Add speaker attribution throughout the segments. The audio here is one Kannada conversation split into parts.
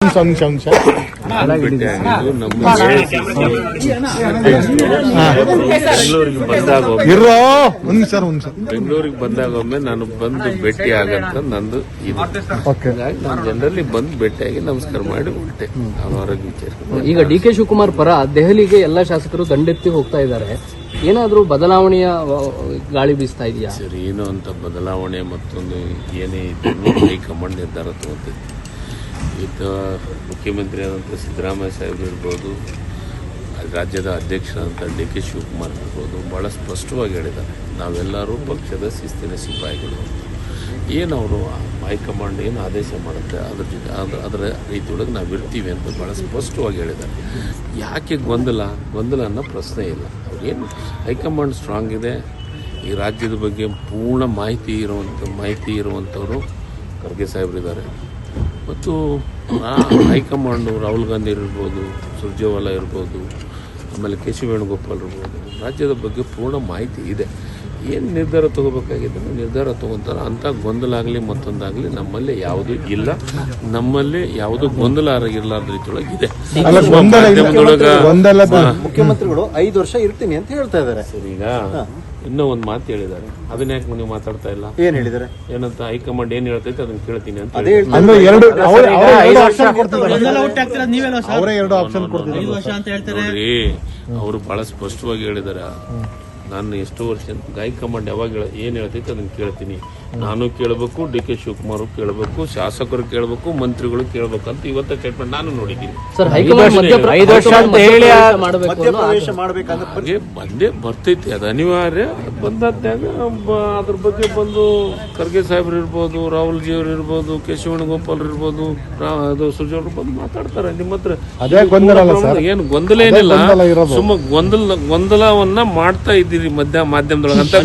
Speaker 1: ನಿಮಿಷ
Speaker 2: ಬೆಂಗಳೂರಿಗೆ ಬಂದಾಗ
Speaker 1: ಇರೋ ಒಂದ್ ಸರ್
Speaker 2: ಬೆಂಗಳೂರಿಗೆ ಬಂದಾಗೊಮ್ಮೆ ನಾನು ಬಂದು ಭೇಟಿ ಆಗಂತ ನಂದು ಇದು. ಹಾಗಾಗಿ ನಾನು ಜನರಲ್ಲಿ ಬಂದು ಭೇಟಿಯಾಗಿ ನಮಸ್ಕಾರ ಮಾಡಿ ಹೊರಟೆ. ನಾನು ಆರೋಗ್ಯ ವಿಚಾರ.
Speaker 3: ಈಗ ಡಿ ಕೆ ಶಿವಕುಮಾರ್ ಪರ ದೆಹಲಿಗೆ ಎಲ್ಲ ಶಾಸಕರು ದಂಡೆತ್ತಿ ಹೋಗ್ತಾ ಇದ್ದಾರೆ. ಏನಾದ್ರೂ ಬದಲಾವಣೆಯ ಗಾಳಿ ಬೀಸ್ತಾ ಇದೆಯಾ
Speaker 2: ಸರ್? ಏನೋ ಅಂತ ಬದಲಾವಣೆ ಮತ್ತೊಂದು ಏನೇ ಇದ್ರೂ ಹೈಕಮಾಂಡ್ ನಿರ್ಧಾರ ತಗೋತೈತಿ. ಈಗ ಮುಖ್ಯಮಂತ್ರಿ ಆದಂಥ ಸಿದ್ದರಾಮಯ್ಯ ಸಾಹೇಬ್ ಇರ್ಬೋದು, ರಾಜ್ಯದ ಅಧ್ಯಕ್ಷರಾದಂಥ ಡಿ ಕೆ ಶಿವಕುಮಾರ್ ಇರ್ಬೋದು, ಭಾಳ ಸ್ಪಷ್ಟವಾಗಿ ಹೇಳಿದ್ದಾರೆ, ನಾವೆಲ್ಲರೂ ಪಕ್ಷದ ಶಿಸ್ತಿನ ಸಿಪಾಯಿಗಳು. ಏನು ಅವರು ಹೈಕಮಾಂಡ್ ಏನು ಆದೇಶ ಮಾಡುತ್ತೆ ಅದ್ರ ಜೊತೆ ಅದರ ರೀತಿಯೊಳಗೆ ನಾವು ಇರ್ತೀವಿ ಅಂತ ಭಾಳ ಸ್ಪಷ್ಟವಾಗಿ ಹೇಳಿದ್ದಾರೆ. ಯಾಕೆ ಗೊಂದಲ ಅನ್ನೋ ಪ್ರಶ್ನೆ ಇಲ್ಲ. ಅವ್ರೇನು ಹೈಕಮಾಂಡ್ ಸ್ಟ್ರಾಂಗ್ ಇದೆ. ಈ ರಾಜ್ಯದ ಬಗ್ಗೆ ಪೂರ್ಣ ಮಾಹಿತಿ ಇರುವಂಥವರು ಖರ್ಗೆ ಸಾಹೇಬರಿದ್ದಾರೆ. ಮತ್ತು ಹೈಕಮಾಂಡು ರಾಹುಲ್ ಗಾಂಧಿ ಇರ್ಬೋದು, ಸುರ್ಜೇವಾಲಾ ಇರ್ಬೋದು, ಆಮೇಲೆ ಕೆ ಸಿ ವೇಣುಗೋಪಾಲ್ ಇರ್ಬೋದು, ರಾಜ್ಯದ ಬಗ್ಗೆ ಪೂರ್ಣ ಮಾಹಿತಿ ಇದೆ. ಏನು ನಿರ್ಧಾರ ತೊಗೋಬೇಕಾಗಿದೆ ನಿರ್ಧಾರ ತೊಗೊತಾರೆ. ಅಂಥ ಗೊಂದಲ ಆಗಲಿ ಮತ್ತೊಂದಾಗಲಿ ನಮ್ಮಲ್ಲಿ ಯಾವುದೂ ಇಲ್ಲ. ನಮ್ಮಲ್ಲಿ ಯಾವುದೂ ಗೊಂದಲ ಇರಲಾರ್ದ ರೀತಿಯೊಳಗೆ ಇದೆ.
Speaker 4: ಮುಖ್ಯಮಂತ್ರಿಗಳು 5 ವರ್ಷ ಇರ್ತೀನಿ ಅಂತ ಹೇಳ್ತಾ ಇದ್ದಾರೆ.
Speaker 2: ಸರ್, ಈಗ ಇನ್ನೂ ಒಂದು ಮಾತು ಹೇಳಿದ್ದಾರೆ. ಅದನ್ನ ಯಾಕೆ ನೀವು ಮಾತಾಡ್ತಾ ಇಲ್ಲ?
Speaker 4: ಏನ್ ಹೇಳಿದ್ದಾರೆ?
Speaker 2: ಏನಂತ ಹೈಕಮಾಂಡ್ ಏನ್ ಹೇಳ್ತೈತೆ ಅದನ್ನ ಕೇಳ್ತೀನಿ ಅಂತ. ನೋಡ್ರಿ, ಅವರು ಬಹಳ ಸ್ಪಷ್ಟವಾಗಿ ಹೇಳಿದಾರೆ. ನಾನು ಎಷ್ಟು ವರ್ಷ ಹೈಕಮಾಂಡ್ ಯಾವಾಗ ಏನ್ ಹೇಳ್ತೈತೆ ಅದನ್ನ ಕೇಳ್ತೀನಿ. ನಾನು ಕೇಳಬೇಕು, ಡಿ ಕೆ ಶಿವಕುಮಾರ್ ಕೇಳಬೇಕು, ಶಾಸಕರು ಕೇಳಬೇಕು, ಮಂತ್ರಿಗಳು ಕೇಳಬೇಕು ಅಂತ ಇವತ್ತ ಸ್ಟೇಟ್ಮೆಂಟ್ ನಾನು ನೋಡಿದ್ದೀನಿ. ಹಾಗೆ ಬಂದೇ ಬರ್ತೈತಿ, ಅದು ಅನಿವಾರ್ಯ. ಬಂದಾಗ ಅದ್ರ ಬಗ್ಗೆ ಬಂದು ಖರ್ಗೆ ಸಾಹೇಬ್ರು ಇರ್ಬೋದು, ರಾಹುಲ್ ಜಿ ಅವರು ಇರ್ಬೋದು, ಕೆ ಸಿ ವೇಣುಗೋಪಾಲ್ ಇರ್ಬೋದು, ಸುರ್ಜೇವಾಲಾ ಬಂದು ಮಾತಾಡ್ತಾರೆ ನಿಮ್ಮ ಹತ್ರ. ಏನು ಗೊಂದಲ ಏನಿಲ್ಲ, ಸುಮ್ಮ ಗೊಂದಲವನ್ನ ಮಾಡ್ತಾ ಇದ್ದೀರಿ ಮಾಧ್ಯಮದೊಳಗೆ ಅಂತ.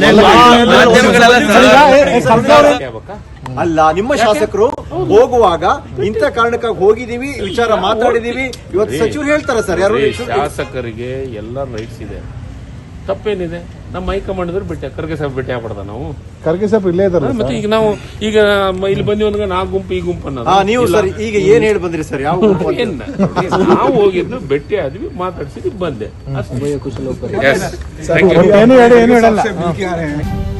Speaker 4: ಅಲ್ಲ, ನಿಮ್ಮ ಶಾಸಕರು ಹೋಗುವಾಗ ಇಂಥ ಕಾರಣಕ್ಕಾಗಿ ಹೋಗಿದೀವಿ, ವಿಚಾರ ಮಾತಾಡಿದೀವಿ, ಇವತ್ತು ಸಚಿವರು ಹೇಳ್ತಾರೆ ಸರ್. ಯಾರು
Speaker 2: ಶಾಸಕರಿಗೆ ಎಲ್ಲ ರೈಟ್ಸ್ ಇದೆ, ತಪ್ಪೇನಿದೆ? ನಮ್ಮ ಹೈಕಮಾಂಡ್ ಇದ್ರೆ ಭೇಟಿ ಖರ್ಗೆ ಸಾಹೇಬ್ ಭೇಟಿ ಆಗ್ಬಾರ್ದ? ನಾವು ಖರ್ಗೆ ಸಾಹೇಬ್ ಇಲ್ಲೇ ಇದ್ದಾರೆ. ಮತ್ತೆ ಈಗ ನಾವು ಇಲ್ಲಿ ಬಂದಿ ಒಂದಾಗ ನಾ ಗುಂಪು ಈ ಗುಂಪು ಅನ್ನೋದು
Speaker 4: ನೀವು ಸರ್ ಈಗ ಏನ್ ಹೇಳಿ ಬಂದ್ರಿ ಸರ್? ಯಾವ
Speaker 2: ನಾವು ಹೋಗಿದ್ದು ಭೇಟಿ ಆದ್ವಿ, ಮಾತಾಡ್ಸಿದ್ವಿ, ಬಂದೆ ಅಷ್ಟೇ.
Speaker 1: ಏನು ಹೇಳಲ್ಲ.